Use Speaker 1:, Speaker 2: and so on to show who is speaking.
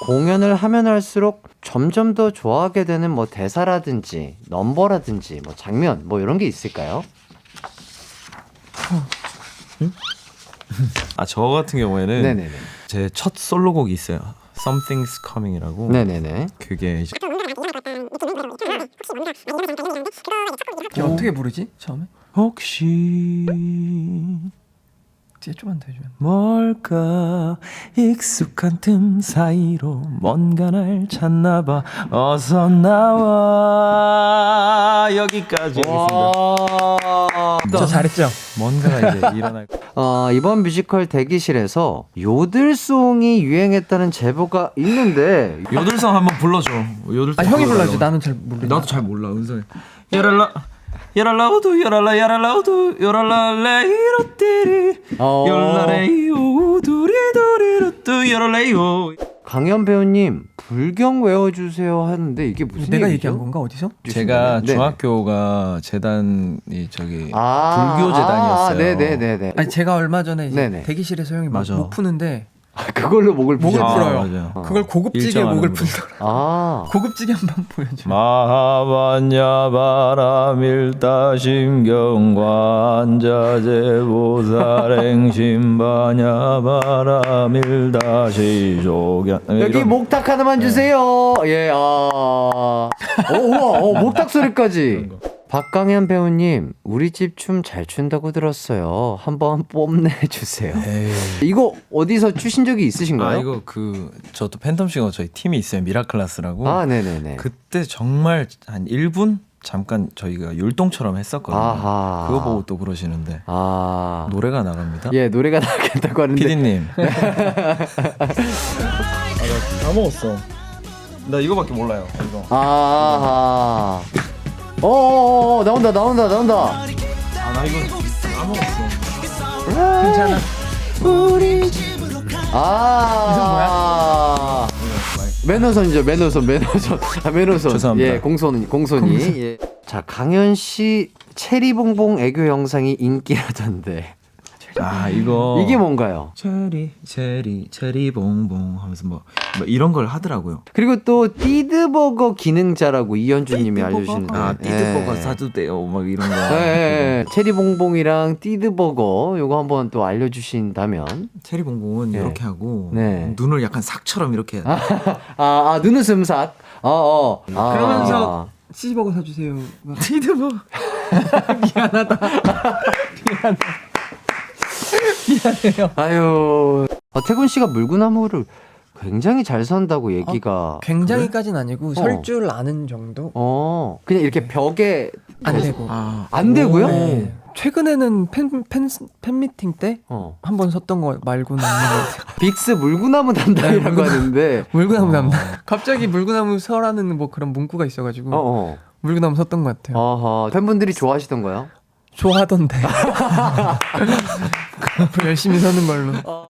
Speaker 1: 공연을 하면 할수록 점점 더 좋아하게 되는 뭐 대사라든지 넘버라든지 뭐 장면 뭐 이런 게 있을까요?
Speaker 2: 저 같은 경우에는
Speaker 1: 네네네.
Speaker 2: 제 첫 솔로곡이 있어요. Something's Coming이라고.
Speaker 1: 네네네.
Speaker 2: 그게 이제
Speaker 3: 어떻게 부르지 처음에?
Speaker 2: 혹시
Speaker 3: 뒤에 좀만 더 해주면.
Speaker 2: 뭘까 익숙한 틈 사이로 뭔가 날 찾나봐 어서 나와 여기까지 하겠습니다.
Speaker 3: 저 잘했죠?
Speaker 2: 뭔가가 이제 일어날
Speaker 1: 이번 뮤지컬 대기실에서 요들송이 유행했다는 제보가 있는데
Speaker 2: 요들성 한번 불러줘. 요들성
Speaker 3: 형이
Speaker 2: 불러달라고.
Speaker 3: 불러줘. 나는 잘 모르.
Speaker 2: 나도 잘 몰라 은성이. 야랄라 야랄라우두 야랄라 야랄라우두 야랄라 레이로띠리 열라레이오 두리두리루뚜 야랄레이오.
Speaker 1: 강현 배우님 불경 외워주세요 하는데 이게 무슨
Speaker 3: 내가
Speaker 1: 얘기죠?
Speaker 3: 얘기한 건가 어디서?
Speaker 2: 제가
Speaker 1: 네네.
Speaker 2: 중학교가 재단이 저기
Speaker 1: 아,
Speaker 2: 불교 재단이었어요.
Speaker 1: 네네네네.
Speaker 3: 아니 제가 얼마 전에 이제
Speaker 1: 네네.
Speaker 3: 대기실에서 형이
Speaker 2: 맞아.
Speaker 3: 목 푸는데
Speaker 1: 그걸로 목을
Speaker 3: 목을
Speaker 1: 푸셨어요?
Speaker 3: 풀어요.
Speaker 2: 맞아요.
Speaker 3: 그걸 고급지게
Speaker 2: 일정한
Speaker 3: 목을
Speaker 2: 음으로.
Speaker 3: 풀더라.
Speaker 1: 아,
Speaker 3: 고급지게 한번 보여줘.
Speaker 2: 마하반야 바라밀다 심경관자재보살행심바냐 바라밀다 시조견.
Speaker 1: 여기 목탁 하나만 주세요. 예, 우와, 목탁 소리까지. 박강현 배우님, 우리 집 춤 잘 춘다고 들었어요. 한번 뽐내주세요. 이거 어디서 추신 적이 있으신가요?
Speaker 2: 이거 저도 팬텀싱어 저희 팀이 있어요. 미라클라스라고.
Speaker 1: 네네네.
Speaker 2: 그때 정말 한 1분 잠깐 저희가 율동처럼 했었거든요.
Speaker 1: 아하.
Speaker 2: 그거 보고 또 그러시는데 노래가 나갑니다.
Speaker 1: 예, 노래가 나겠다고 하는데.
Speaker 2: PD님. 나 다 먹었어. 나 이거밖에 몰라요. 이거.
Speaker 1: 나온다.
Speaker 2: 나 이거 다 먹었어.
Speaker 3: 괜찮아.
Speaker 1: 매너선이죠, 매너선. 매너선.
Speaker 2: 죄송합니다.
Speaker 1: 예, 공손이. 예. 자, 강현 씨 체리봉봉 애교 영상이 인기라던데.
Speaker 2: 이거
Speaker 1: 이게 뭔가요?
Speaker 2: 체리봉봉 하면서 뭐 이런 걸 하더라고요.
Speaker 1: 그리고 또 띠드버거 기능자라고 이현주님이 알려주시는데.
Speaker 2: 띠드버거 사도 돼요. 막 이런 거.
Speaker 1: 예. 체리봉봉이랑 띠드버거 요거 한번 또 알려주신다면.
Speaker 2: 체리봉봉은
Speaker 1: 네.
Speaker 2: 이렇게 하고
Speaker 1: 네.
Speaker 2: 눈을 약간 삭처럼 이렇게.
Speaker 1: 눈웃음 삭.
Speaker 3: 그러면서 치즈버거 사주세요.
Speaker 2: 띠드버거.
Speaker 3: 미안하다. 미안해요.
Speaker 1: 아유. 태군 씨가 물구나무를 굉장히 잘 선다고 얘기가.
Speaker 3: 굉장히까지는 아니고 설 줄 아는 정도?
Speaker 1: 그냥 이렇게 벽에
Speaker 3: 안 되고.
Speaker 1: 안 되고요?
Speaker 3: 네. 최근에는 팬미팅 때 한 번 섰던 거 말고는 없는 것 같아요.
Speaker 1: 빅스 물구나무 담당이라고 하는데.
Speaker 3: 물구나무 담당. 갑자기 물구나무 서라는 뭐 그런 문구가 있어가지고 물구나무 섰던 것 같아요.
Speaker 1: 팬분들이 좋아하시던가요?
Speaker 3: 좋아하던데. 앞으로 열심히 서는 걸로.